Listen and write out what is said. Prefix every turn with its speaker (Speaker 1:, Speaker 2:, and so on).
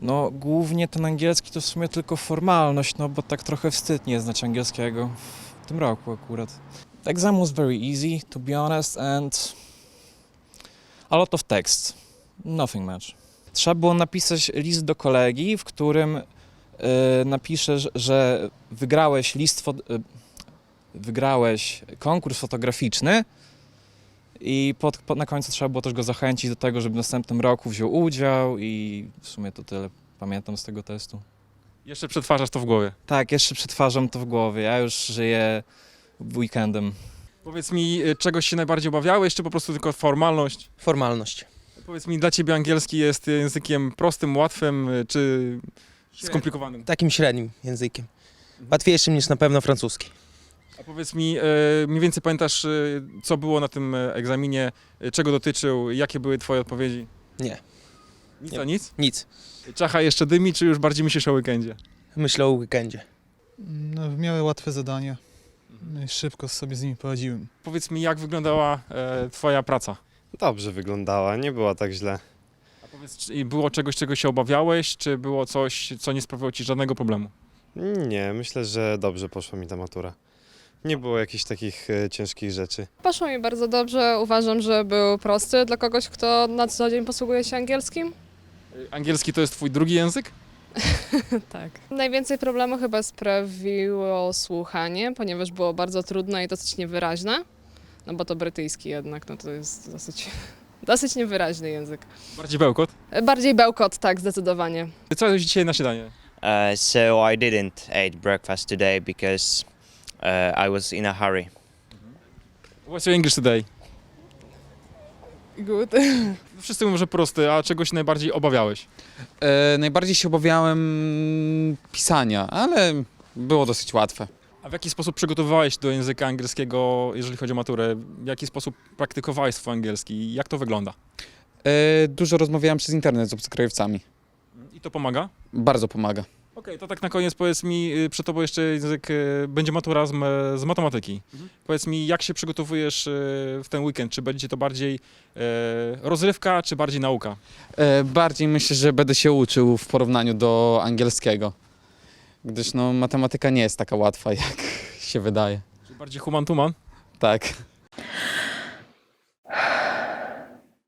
Speaker 1: No głównie ten angielski to w sumie tylko formalność, no bo tak trochę wstyd nie znać angielskiego w tym roku akurat. The exam was very easy, to be honest, and a lot of text, nothing much. Trzeba było napisać list do kolegi, w którym napiszesz, że wygrałeś konkurs fotograficzny i na końcu trzeba było też go zachęcić do tego, żeby w następnym roku wziął udział i w sumie to tyle pamiętam z tego testu.
Speaker 2: Jeszcze przetwarzasz to w głowie.
Speaker 1: Tak, jeszcze przetwarzam to w głowie, ja już żyję weekendem.
Speaker 2: Powiedz mi, czegoś się najbardziej obawiałeś, czy po prostu tylko formalność?
Speaker 3: Formalność.
Speaker 2: Powiedz mi, dla ciebie angielski jest językiem prostym, łatwym, czy skomplikowanym?
Speaker 3: Takim średnim językiem. Łatwiejszym niż na pewno francuski.
Speaker 2: A powiedz mi, mniej więcej pamiętasz, co było na tym egzaminie, czego dotyczył, jakie były twoje odpowiedzi?
Speaker 3: Nie.
Speaker 2: Nic
Speaker 3: Nie.
Speaker 2: a nic?
Speaker 3: Nic.
Speaker 2: Czacha jeszcze dymi, czy już bardziej myślisz o weekendzie?
Speaker 3: Myślę o weekendzie.
Speaker 4: No, w miarę łatwe zadania. No i szybko sobie z nimi poradziłem.
Speaker 2: Powiedz mi, jak wyglądała twoja praca?
Speaker 5: Dobrze wyglądała, nie była tak źle.
Speaker 2: A powiedz, czy było czegoś, czego się obawiałeś, czy było coś, co nie sprawiało ci żadnego problemu?
Speaker 5: Nie, myślę, że dobrze poszła mi ta matura. Nie było jakichś takich ciężkich rzeczy.
Speaker 6: Poszło mi bardzo dobrze. Uważam, że był prosty dla kogoś, kto na co dzień posługuje się angielskim.
Speaker 2: Angielski to jest twój drugi język?
Speaker 6: Tak. Najwięcej problemu chyba sprawiło słuchanie, ponieważ było bardzo trudne i dosyć niewyraźne. No bo to brytyjski jednak, no to jest dosyć niewyraźny język.
Speaker 2: Bardziej bełkot?
Speaker 6: Bardziej bełkot, tak, zdecydowanie.
Speaker 2: Co jadłeś dzisiaj na śniadanie?
Speaker 7: So I didn't eat breakfast today because I was in a hurry.
Speaker 2: What's your English today?
Speaker 6: Good.
Speaker 2: Wszyscy mówią, że prosty, a czegoś najbardziej obawiałeś?
Speaker 8: Najbardziej się obawiałem pisania, ale było dosyć łatwe.
Speaker 2: A w jaki sposób przygotowywałeś do języka angielskiego, jeżeli chodzi o maturę? W jaki sposób praktykowałeś swój angielski? Jak to wygląda?
Speaker 8: Dużo rozmawiałem przez internet z obcokrajowcami.
Speaker 2: I to pomaga?
Speaker 8: Bardzo pomaga.
Speaker 2: Okej, to tak na koniec powiedz mi, przed tobą jeszcze język, będzie matura z matematyki. Powiedz mi, jak się przygotowujesz w ten weekend? Czy będzie to bardziej rozrywka, czy bardziej nauka?
Speaker 8: Bardziej myślę, że będę się uczył w porównaniu do angielskiego, gdyż no, matematyka nie jest taka łatwa, jak się wydaje.
Speaker 2: Czy bardziej human to man?
Speaker 8: Tak.